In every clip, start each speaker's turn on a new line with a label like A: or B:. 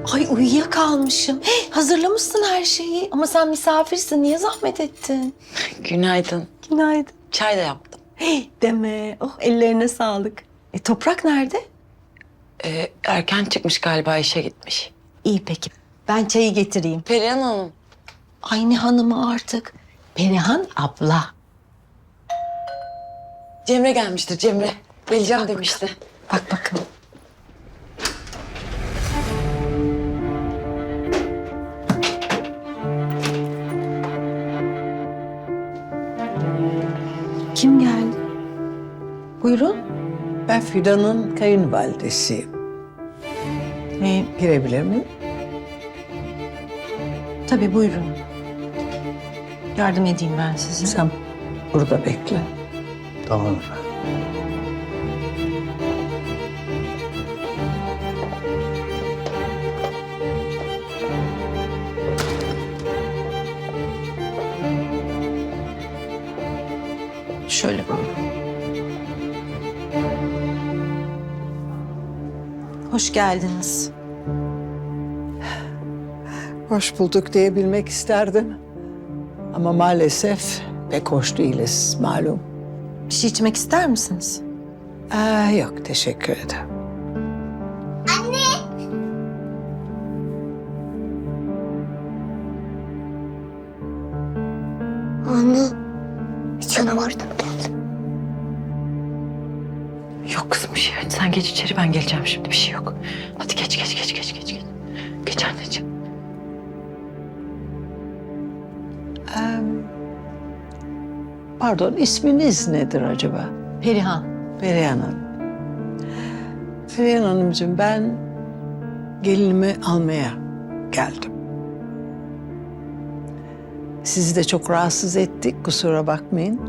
A: Ay uyuyakalmışım. Hey, hazırlamışsın her şeyi. Ama sen misafirsin. Niye zahmet ettin?
B: Günaydın.
A: Günaydın.
B: Çay da yaptım.
A: Hey, deme. Oh, ellerine sağlık. Toprak nerede?
B: Erken çıkmış galiba, işe gitmiş.
A: İyi peki. Ben çayı getireyim.
B: Perihan Hanım.
A: Ay ne hanımı artık. Perihan abla.
B: Cemre gelmiştir, Cemre. Geleceğim demişti.
A: Bak bakın. Kim geldi? Buyurun.
C: Ben Fidan'ın kayınvalidesiyim. Girebilir miyim?
A: Tabii buyurun. Yardım edeyim ben size.
C: Sen burada bekle.
D: Tamam efendim.
A: Şöyle buyurun. Hoş geldiniz.
C: Hoş bulduk diyebilmek isterdim. Ama maalesef pek hoş değiliz malum.
A: Bir şey içmek ister misiniz?
C: Yok teşekkür ederim.
E: Anne, bir canavardan geldi.
B: Yok kızım bir şey. Hadi sen geç içeri, ben geleceğim şimdi. Bir şey yok. Hadi geç. Geç anneciğim.
C: Pardon isminiz nedir acaba?
A: Perihan.
C: Perihan Hanım. Perihan Hanımcığım ben gelinimi almaya geldim. Sizi de çok rahatsız ettik, kusura bakmayın.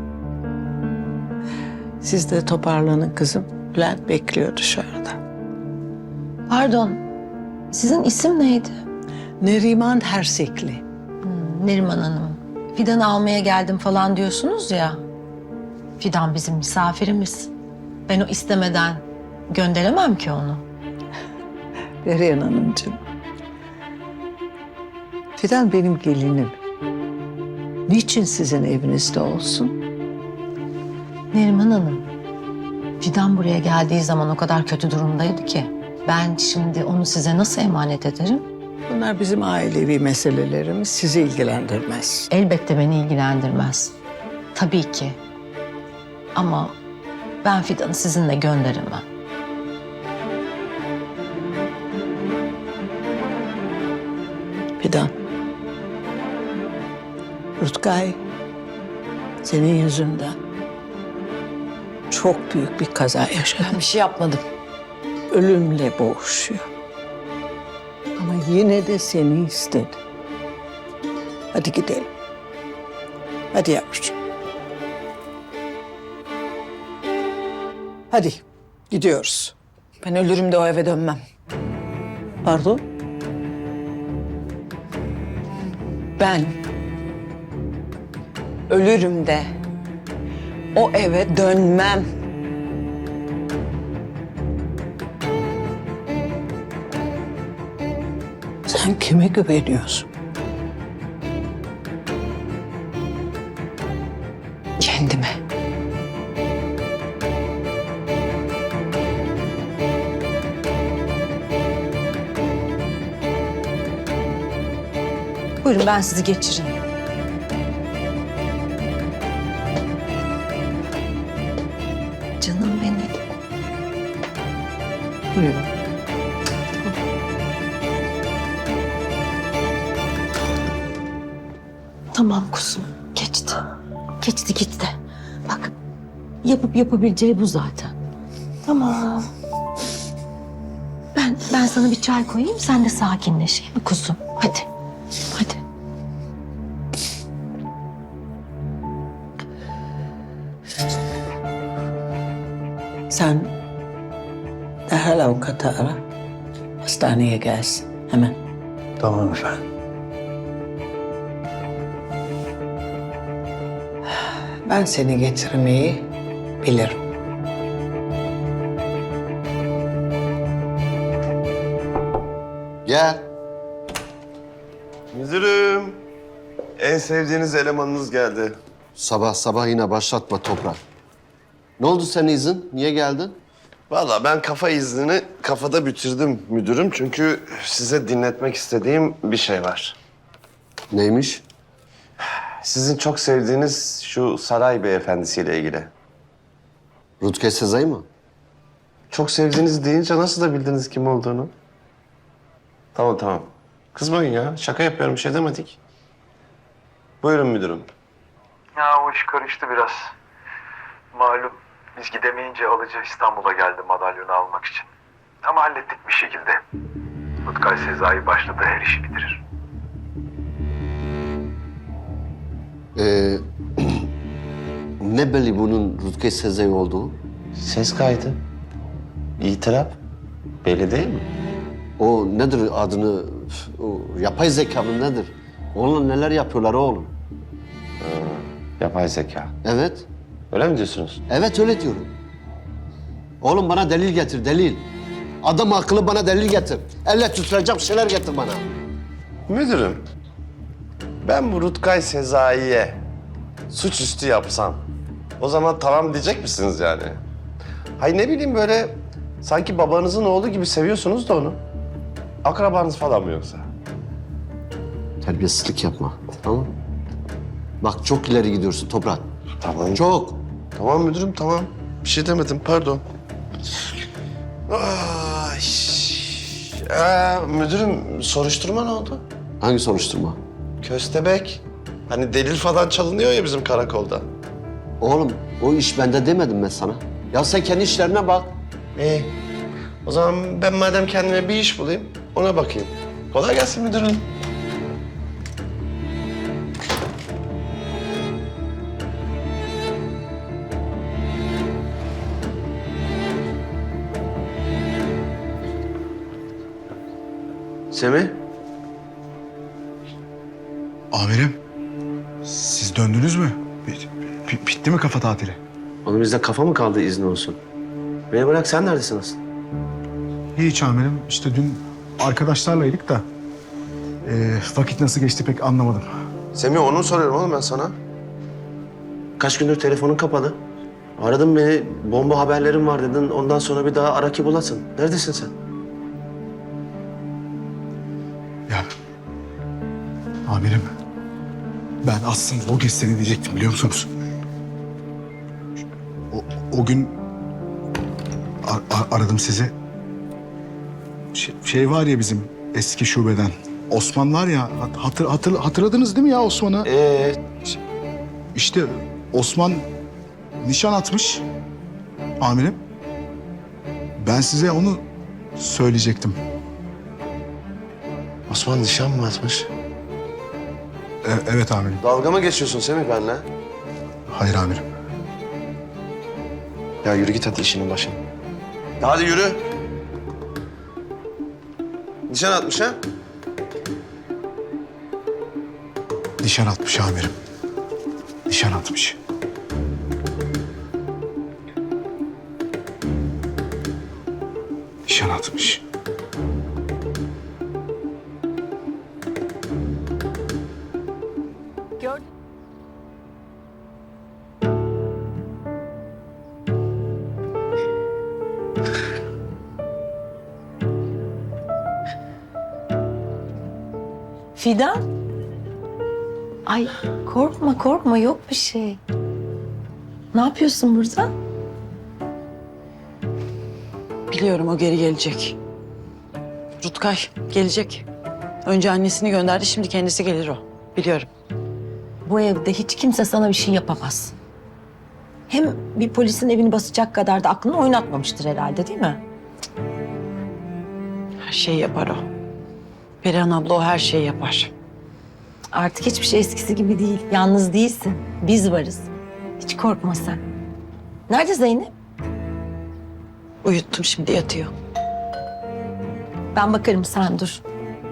C: Siz de toparlanın kızım. Bülent bekliyor dışarıda.
A: Pardon. Sizin isim neydi?
C: Neriman Hersekli.
A: Neriman Hanım. Fidan'ı almaya geldim falan diyorsunuz ya. Fidan bizim misafirimiz. Ben o istemeden gönderemem ki onu.
C: Perihan Hanımcığım. Fidan benim gelinim. Niçin sizin evinizde olsun?
A: Neriman Hanım. Fidan buraya geldiği zaman o kadar kötü durumdaydı ki. Ben şimdi onu size nasıl emanet ederim?
C: Bunlar bizim ailevi meselelerimiz, sizi ilgilendirmez.
A: Elbette beni ilgilendirmez. Tabii ki. Ama ben Fidan'ı sizinle gönderemem.
C: Fidan. Rutkay, senin yüzünden çok büyük bir kaza yaşadı.
B: Ben bir şey yapmadım.
C: Ölümle boğuşuyor. Ama yine de seni istedi. Hadi gidelim. Hadi yavrucuğum. Hadi gidiyoruz.
B: Ben ölürüm de o eve dönmem.
C: Pardon?
B: Ben ölürüm de o eve dönmem.
C: Sen kime güveniyorsun?
B: Kendime.
A: Buyurun ben sizi geçireyim. Canım benim.
C: Buyurun.
A: Tamam kuzum. Geçti. Geçti gitti. Bak yapıp yapabileceği bu zaten. Tamam. Ben sana bir çay koyayım. Sen de sakinleş. İyi mi kuzum? Hadi. Hadi.
C: Sen derhal avukatı ara. Hastaneye gelsin hemen.
D: Tamam efendim.
C: Ben seni getirmeyi bilirim.
D: Gel.
F: Müdürüm, en sevdiğiniz elemanınız geldi.
G: Sabah sabah yine başlatma Toprak. Ne oldu senin izin? Niye geldin?
F: Vallahi ben kafa iznini kafada bitirdim müdürüm. Çünkü size dinletmek istediğim bir şey var.
G: Neymiş?
F: Sizin çok sevdiğiniz şu saray beyefendisiyle ilgili.
G: Rutger Sezai mı?
F: Çok sevdiğiniz deyince nasıl da bildiniz kim olduğunu? Tamam. Kızmayın ya. Şaka yapıyorum. Bir şey demedik. Buyurun müdürüm.
H: Ya o iş karıştı biraz. Malum biz gidemeyince alıcı İstanbul'a geldi madalyonu almak için. Ama hallettik bir şekilde. Rutkay Sezai başladı, her işi bitirir.
G: Ne belli bunun Rutger Sezai olduğu?
F: Ses kaydı. İtiraf. Belli değil mi?
G: O nedir adını? O yapay zeka mı nedir? Onunla neler yapıyorlar oğlum?
F: Yapay zeka.
G: Evet.
F: Öyle mi diyorsunuz?
G: Evet öyle diyorum. Oğlum bana delil getir, delil. Adam akıllı bana delil getir. Elle tutulacak şeyler getir bana.
F: Müdürüm, ben bu Rutkay Sezai'ye suçüstü yapsam o zaman tamam diyecek misiniz yani? Hay ne bileyim böyle sanki babanızın oğlu gibi seviyorsunuz da onu. Akrabanız falan mı yoksa?
G: Terbiyesizlik yapma, tamam mı? Bak çok ileri gidiyorsun Toprak.
F: Tamam.
G: Çok.
F: Tamam müdürüm tamam. Bir şey demedim pardon. Ay. Müdürüm soruşturma ne oldu?
G: Hangi soruşturma?
F: Köstebek. Hani delil falan çalınıyor ya bizim karakolda.
G: Oğlum o iş bende demedim ben sana. Ya sen kendi işlerine bak.
F: İyi. O zaman ben madem kendime bir iş bulayım, ona bakayım. Kolay gelsin müdürüm. Semih,
I: Amirim, siz döndünüz mü? Bitti mi kafa tatili?
F: oğlum bizde kafa mı kaldı izni olsun? Beni bırak, sen neredesin asıl?
I: Hiç amirim. İşte dün arkadaşlarlaydık da vakit nasıl geçti pek anlamadım.
F: Semih onu soruyorum oğlum ben sana. Kaç gündür telefonun kapalı. Aradın beni, bomba haberlerim var dedin. Ondan sonra bir daha ara ki bulasın. Neredesin sen?
I: Ya amirim, ben aslında o gece seni diyecektim biliyor musunuz? O gün aradım sizi. Şey var ya bizim eski şubeden. Osman var ya, hatırladınız değil mi ya Osman'ı? İşte Osman nişan atmış amirim. Ben size onu söyleyecektim.
F: Osman nişan mı atmış?
I: Evet amirim.
F: Dalga mı geçiyorsun Semih benimle?
I: Hayır amirim.
F: Ya yürü git hadi işinin başına. Ya hadi yürü. Nişan atmış ha?
I: Nişan atmış amirim. Nişan atmış. Nişan atmış.
A: Fidan. Ay korkma yok bir şey. Ne yapıyorsun burada?
B: Biliyorum o geri gelecek. Rutkay gelecek. Önce annesini gönderdi, şimdi kendisi gelir o. Biliyorum.
A: Bu evde hiç kimse sana bir şey yapamaz. Hem bir polisin evini basacak kadar da aklını oynatmamıştır herhalde değil mi?
B: Her şeyi yapar o. Perihan abla o her şeyi yapar.
A: Artık hiçbir şey eskisi gibi değil. Yalnız değilsin. Biz varız. Hiç korkma sen. Nerede Zeynep?
B: Uyuttum, şimdi yatıyor.
A: Ben bakarım, sen dur.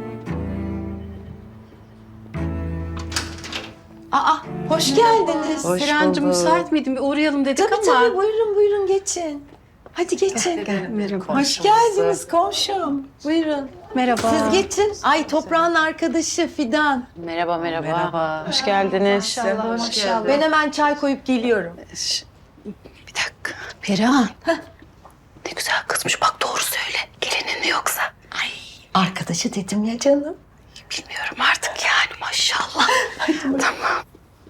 A: Aa, hoş geldiniz.
B: Hoş
J: Serencim
B: bulduk.
J: müsait miydin? Bir uğrayalım dedik
A: Tabii
J: ama.
A: tabii, buyurun geçin. Hadi geçin. Hoş geldiniz komşum. Buyurun. Merhaba. Siz geçin. Ay toprağın arkadaşı Fidan.
B: Merhaba, merhaba. Hoş geldiniz.
A: Maşallah. Ben hemen çay koyup geliyorum.
B: Bir dakika. Perihan. Ne güzel kızmış. Bak doğru söyle. Gelinin mi yoksa?
A: Arkadaşı dedim ya canım.
B: Bilmiyorum artık yani maşallah. Tamam.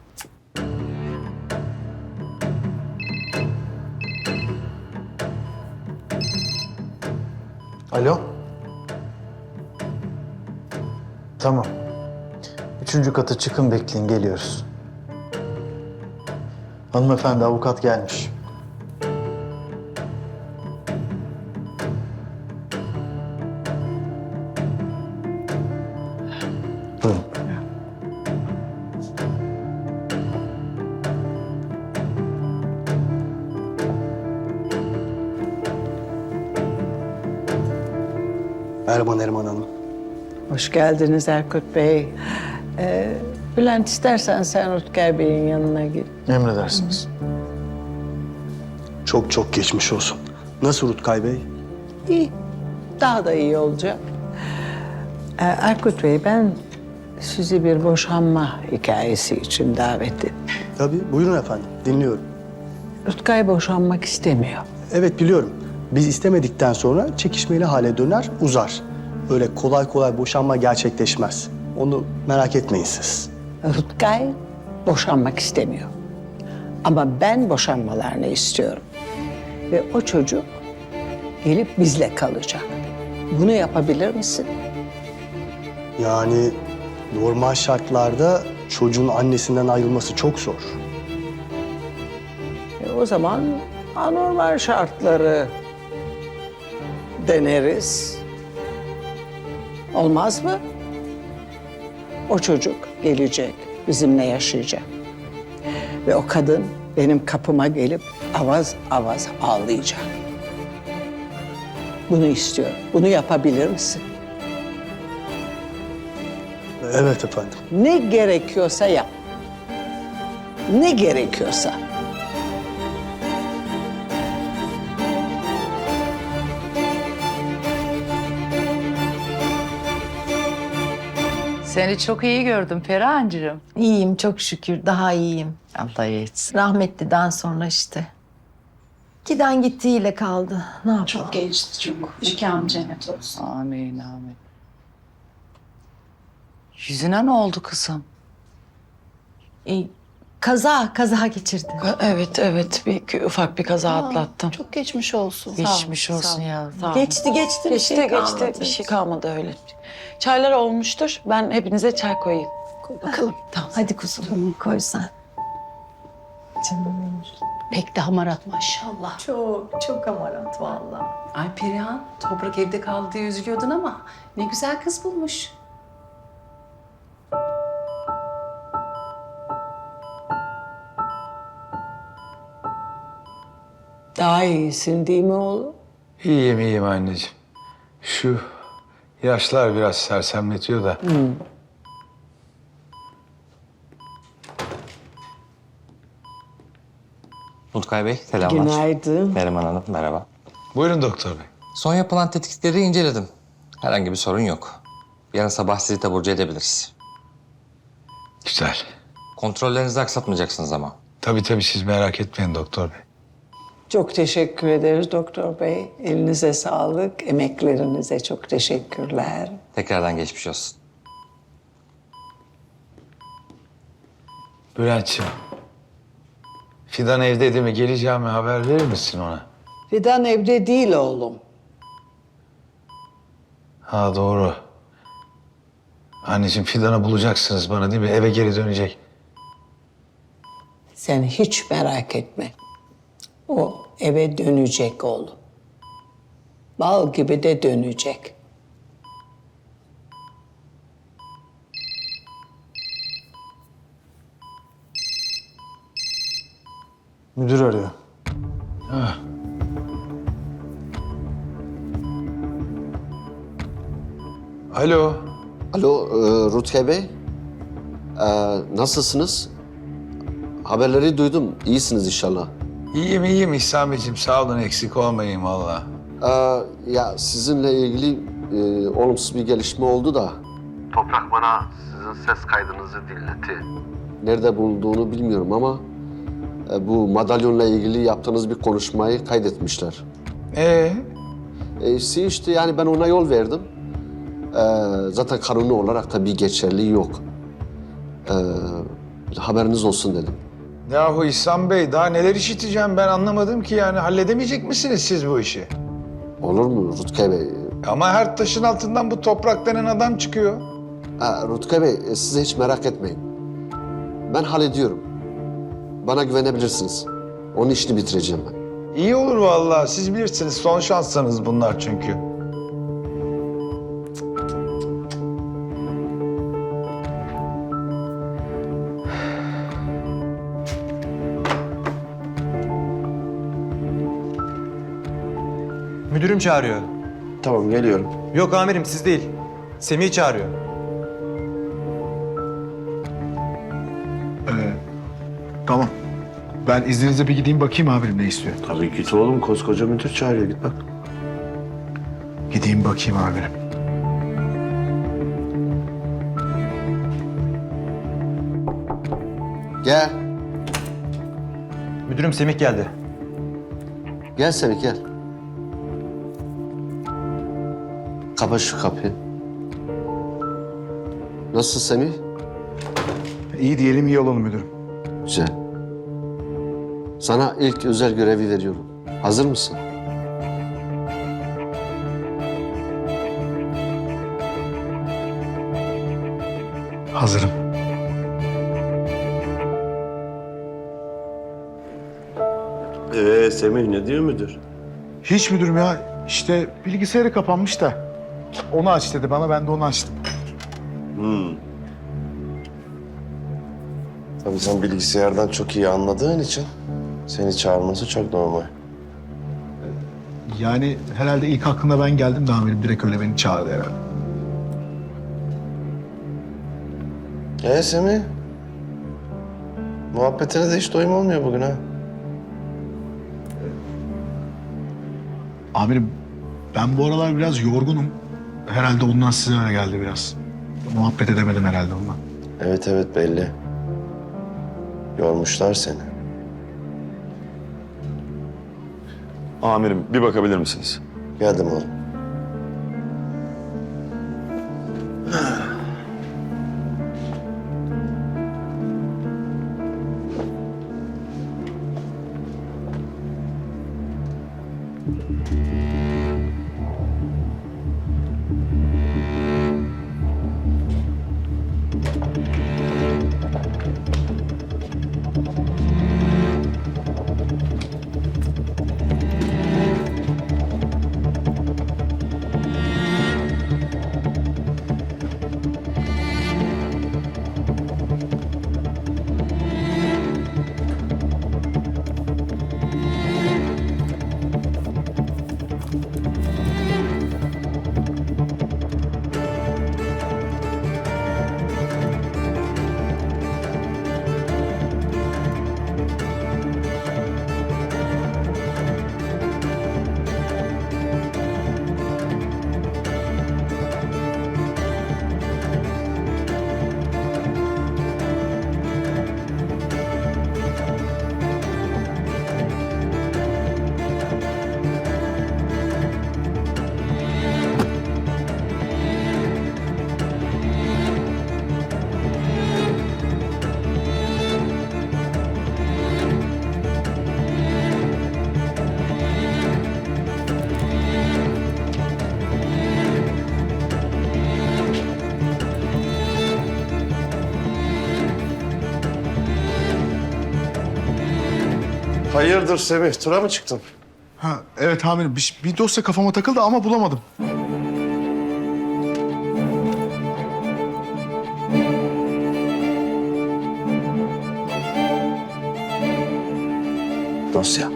D: Alo? Tamam. 3. kata çıkın bekleyin geliyoruz. Hanımefendi avukat gelmiş. Buyurun.
G: Merhaba Neriman Hanım.
C: Hoş geldiniz Erkut Bey. Bülent istersen sen Rutkay Bey'in yanına git.
D: Emredersiniz.
G: Çok çok geçmiş olsun. Nasıl Rutkay Bey?
C: İyi. Daha da iyi olacak. Erkut Bey ben sizi bir boşanma hikayesi için davet ettim.
G: Tabii buyurun efendim dinliyorum.
C: Rutkay boşanmak istemiyor.
G: Evet biliyorum. Biz istemedikten sonra çekişmeli hale döner, uzar. Öyle kolay kolay boşanma gerçekleşmez. Onu merak etmeyin siz.
C: Rutkay boşanmak istemiyor. Ama ben boşanmalarını istiyorum. Ve o çocuk gelip bizle kalacak. Bunu yapabilir misin?
G: Yani normal şartlarda çocuğun annesinden ayrılması çok zor.
C: O zaman anormal şartları deneriz. Olmaz mı? O çocuk gelecek, bizimle yaşayacak. Ve o kadın benim kapıma gelip avaz avaz ağlayacak. Bunu istiyorum. Bunu yapabilir misin?
G: Evet efendim.
C: Ne gerekiyorsa yap. Ne gerekiyorsa.
B: Seni çok iyi gördüm Perihan'cığım.
A: İyiyim çok şükür. Daha iyiyim.
B: Allah iyi etsin.
A: Rahmetliden sonra işte. Giden gittiğiyle kaldı. Ne yapalım?
B: Çok geçti çok. Mekanı cennet olsun. Amin amin. Yüzüne ne oldu kızım?
A: Kaza geçirdi.
B: Evet. Ufak bir kaza atlattım.
J: Çok geçmiş olsun.
B: Geçmiş olsun ya. Sağ ol.
A: Geçti bir şey kalmadı.
B: Bir şey kalmadı öyle. Çaylar olmuştur. Ben hepinize çay koyayım.
A: Bakalım. Tamam. Hadi kuzum koy sen. Canım benim.
J: Pek de hamarat maşallah.
A: Çok amarat vallahi.
J: Ay Perihan, Toprak evde kaldı diye üzülüyordun ama ne güzel kız bulmuş.
C: Daha iyisin değil mi oğlum?
K: İyiyim anneciğim. Şu yaşlar biraz sersemletiyor da.
L: Rutkay Bey, selamlar.
C: Günaydın.
L: Neriman Hanım, merhaba.
K: Buyurun doktor bey.
L: Son yapılan tetkikleri inceledim. Herhangi bir sorun yok. Yarın sabah sizi taburcu edebiliriz.
K: Güzel.
L: Kontrollerinizi aksatmayacaksınız ama.
K: Tabii siz merak etmeyin doktor bey.
C: Çok teşekkür ederiz doktor bey. Elinize sağlık, emeklerinize çok teşekkürler.
L: Tekrardan geçmiş olsun.
K: Bülent'ciğim. Fidan evde değil mi? Geleceğimi haber verir misin ona?
C: Fidan evde değil oğlum.
K: Ha doğru. Anneciğim Fidan'ı bulacaksınız bana değil mi? Eve geri dönecek.
C: Sen hiç merak etme. O eve dönecek oğlum. Bal gibi de dönecek.
D: Müdür arıyor.
K: Alo.
G: Alo Rutkay Bey. Nasılsınız? Haberleri duydum. İyisiniz inşallah.
K: İyiyim İhsan Beyciğim. Sağ olun eksik olmayın valla.
G: Ya sizinle ilgili
F: olumsuz bir gelişme oldu da
H: Toprak bana sizin ses kaydınızı dinletti.
F: nerede bulunduğunu bilmiyorum ama bu madalyonla ilgili yaptığınız bir konuşmayı kaydetmişler. İşte yani ben ona yol verdim. Zaten kanuni olarak da bir geçerliği yok. Haberiniz olsun dedim.
K: Yahu İhsan Bey daha neler işiteceğim ben anlamadım ki yani. Halledemeyecek misiniz siz bu işi?
F: Olur mu Rutkay Bey?
K: Ama her taşın altından bu toprak denen adam çıkıyor.
F: Rutkay Bey siz hiç merak etmeyin. Ben hallediyorum. Bana güvenebilirsiniz. Onun işini bitireceğim ben.
K: İyi olur vallahi. Siz bilirsiniz. Son şanslarınız bunlar çünkü.
M: Müdürüm çağırıyor.
F: Tamam geliyorum.
M: Yok amirim siz değil. Semih çağırıyor.
I: Tamam. Ben izninizle bir gideyim bakayım amirim ne istiyor.
F: Tabii git oğlum, koskoca müdür çağırıyor, git bak.
I: Gideyim bakayım amirim.
F: Gel.
M: Müdürüm Semih geldi.
F: Gel Semih gel. Kapa şu kapıyı. Nasılsın Semih?
I: İyi diyelim iyi olalım müdürüm.
F: Güzel. Sana ilk özel görevi veriyorum. Hazır mısın?
I: Hazırım.
F: Semih ne diyor müdür?
I: Hiç müdürüm ya. İşte bilgisayarı kapanmış da. Onu aç dedi bana, ben de onu açtım.
F: Tabii sen bilgisayardan çok iyi anladığın için seni çağırması çok normal.
I: Yani herhalde ilk aklına ben geldim de amirim direkt öyle beni çağırdı herhalde.
F: Semih? Muhabbetine de hiç doyum olmuyor bugün ha.
I: Amirim ben bu aralar biraz yorgunum. Herhalde ondan size öyle geldi biraz. Muhabbet edemedim herhalde ondan.
F: Evet belli. Yormuşlar seni.
N: Amirim bir bakabilir misiniz?
F: Geldim oğlum. Hayırdır Semih, tura mı çıktın?
I: Ha evet amirim bir dosya kafama takıldı ama bulamadım.
F: Dosya.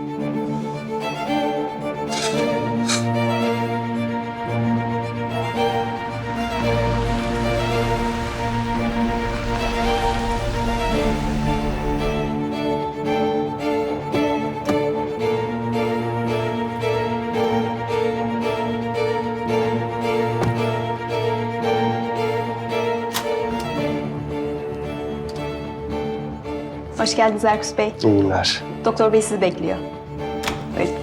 E: Hoş geldiniz Erkus Bey.
G: İyi günler.
E: Doktor Bey sizi bekliyor. Buyurun.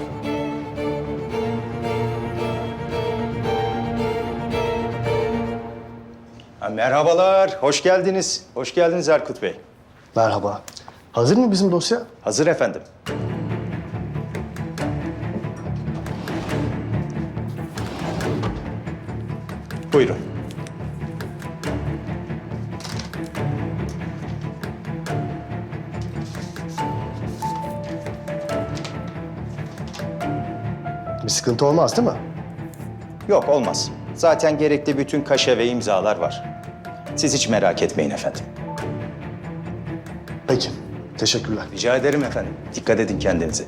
M: Merhabalar, hoş geldiniz. Hoş geldiniz Erkut Bey.
G: Merhaba. Hazır mı bizim dosya?
M: Hazır efendim. Buyurun.
G: Bir sıkıntı olmaz değil mi?
M: Yok, olmaz. Zaten gerekli bütün kaşe ve imzalar var. Siz hiç merak etmeyin efendim.
G: Peki. Teşekkürler.
M: Rica ederim efendim. Dikkat edin kendinize.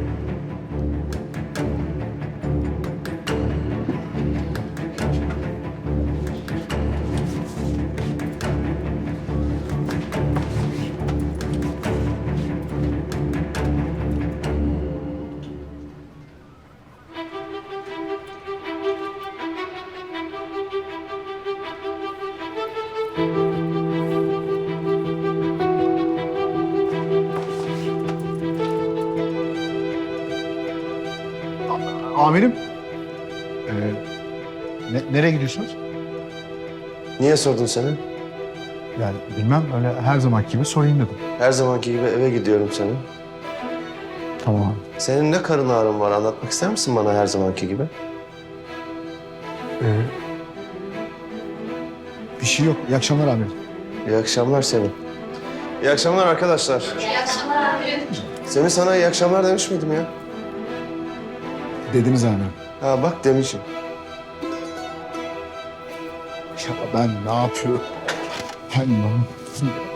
I: Amirim. Nereye gidiyorsunuz?
F: Niye sordun seni?
I: Yani bilmem, öyle her zamanki gibi sorayım dedim.
F: Her zamanki gibi eve gidiyorum senin.
I: Tamam.
F: Senin ne karın ağrın var, anlatmak ister misin bana her zamanki gibi?
I: Bir şey yok. İyi akşamlar amirim.
F: İyi akşamlar Semih. İyi akşamlar arkadaşlar.
E: İyi akşamlar amirim.
F: Semih sana iyi akşamlar demiş miydim ya?
I: Dediniz amirim.
F: Ha bak demişim.
I: Ya ben ne yapıyorum? Ben ne yapıyorum?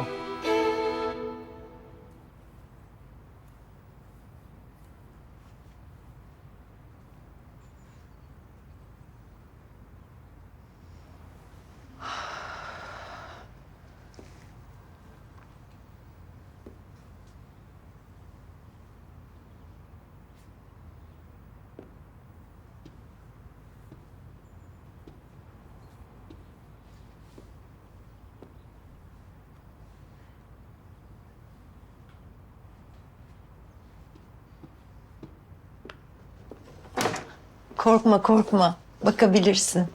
A: Korkma korkma. Bakabilirsin.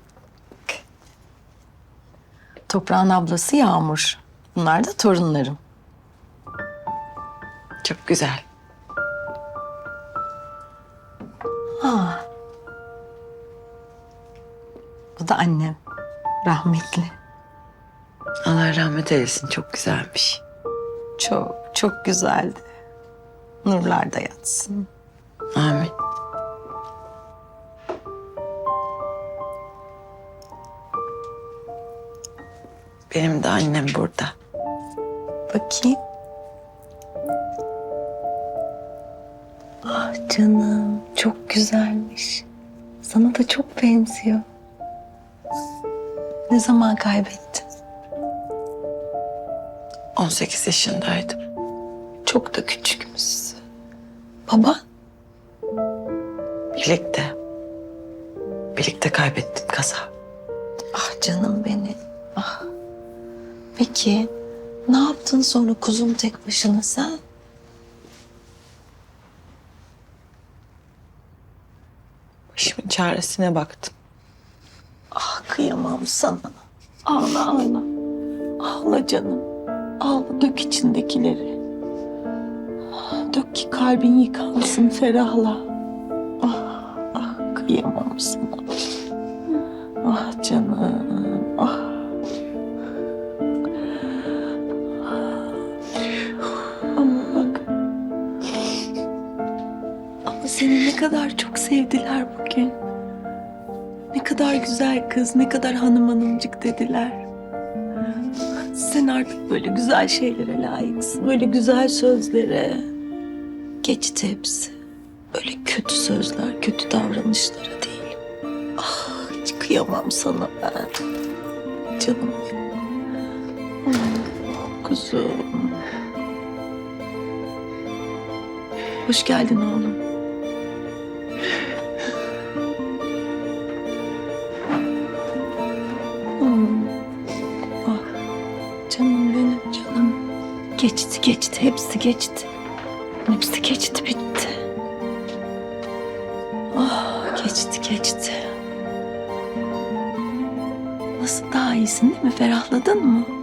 A: Toprağın ablası Yağmur. Bunlar da torunlarım.
B: Çok güzel.
A: Ha. Bu da annem. Rahmetli.
B: Allah rahmet eylesin. Çok güzelmiş.
A: Çok çok güzeldi. Nurlarda yatsın.
B: Amin. Benim de annem burada.
A: Bakayım. Ah canım, çok güzelmiş. Sana da çok benziyor. Ne zaman kaybettin?
B: 18 yaşındaydım.
A: Çok da küçükmüşsün. Baba?
B: Birlikte. Birlikte kaybettim kaza.
A: Ah canım benim. Ah. Peki ne yaptın sonra kuzum tek başına sen?
B: Başımın çaresine baktım.
A: Ah kıyamam sana. Ağla ağla. Ağla canım. Ağla dök içindekileri. Dök ki kalbin yıkansın ferahla. Ah ah kıyamam sana. Ah canım ah. Ama bak. Ama seni ne kadar çok sevdiler bugün. Ne kadar güzel kız, ne kadar hanımcık dediler. Sen artık böyle güzel şeylere layıksın. Böyle güzel sözlere. Geçti hepsi. Böyle kötü sözler, kötü davranışlara değil. Ah hiç kıyamam sana ben. Canım benim. Ah, kuzum. Hoş geldin oğlum. Ah, canım benim canım. Geçti geçti, hepsi geçti. Hepsi geçti, bitti. Oh, geçti geçti. Nasıl, daha iyisin değil mi? Ferahladın mı?